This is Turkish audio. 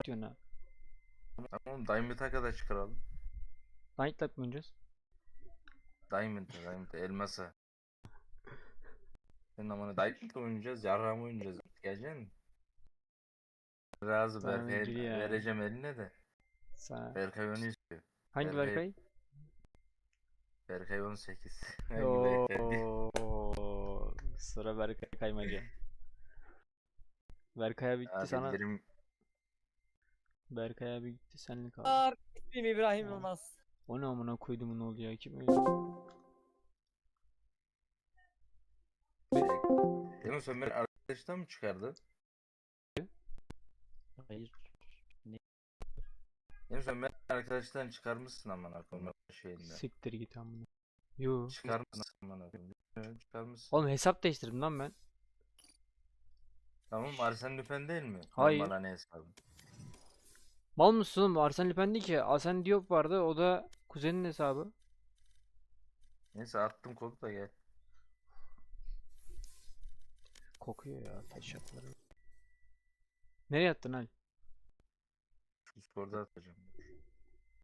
diyorsun ha? Tamam, Diamond'a kadar çıkaralım. Nightlight mı oynayacağız? Diamond'a, elmasa. Senin amına Diamond'da oynayacağız, yarrağı oynayacağız. Gelecek misin? Razı Tamam Berkay'a gir ya. vereceğim eline de. Sana. Berkay onu istiyor. Hangi Berkay, Berkay? Berkay 18. Hangi Berkay diye. Oo, sıra Berkay kaymaca. Berkay'a bitti Ya sana. bildirim Berkay'a bir gitti senlik kaldı. İsmim İbrahim Aa, Yılmaz. o ne amına koyduğumun oluyor kim öyle? Demin sen beni arkadaştan mı çıkardın? Hayır. Demin sen beni arkadaştan çıkarmışsın amına koyayım şeyinden. Siktir git amına. Yo. Çıkarmışsın amına koyayım. Evet, çıkarmışsın. Oğlum hesap değiştirdim lan ben. Tamam, Arsene Lupin değil mi? Normal Hayır. hani hesabı. Mal mısın oğlum? Arsene Lupin değil ki. Arsene Diop vardı. O da kuzenin hesabı. Neyse, attım kodu da gel. Kokuyor ya taşakları. Nereye attın Al? Discord'a atacağım.